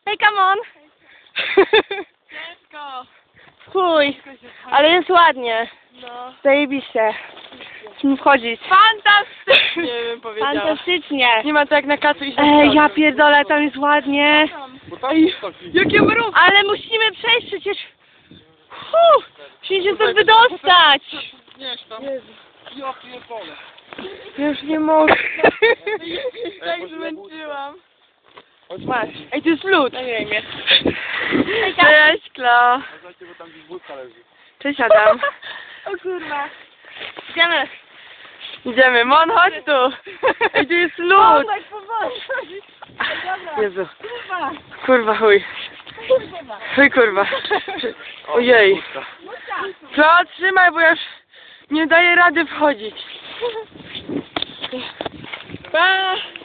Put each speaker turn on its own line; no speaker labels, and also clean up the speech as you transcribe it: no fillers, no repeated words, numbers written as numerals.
Hej, come on!
Ciężko.
Chuj, ale jest ładnie.
No.
Zajebiście. Musimy wchodzić.
Fantastycznie bym powiedziała.
Fantastycznie.
Nie ma to jak na kacu iść na
Ej, ja
przodu.
pierdolę, tam jest ładnie.
Ej, jakie mrówki!
Ale musimy przejść przecież. Musimy się stąd wydostać.
Ja pierdolę.
Już nie mogę.
Tak zmęczyłam.
Masz.
Ej, to jest lód.
Nagraj mnie.
Cześć, Kla.
Cześć, Adam.
O kurwa.
Idziemy.
Idziemy, Mon, chodź tu. Ej, tu jest lód. Jezu. Kurwa, chuj. Chuj, kurwa. Ojej. Co? Trzymaj, bo ja już nie daję rady wchodzić. Pa!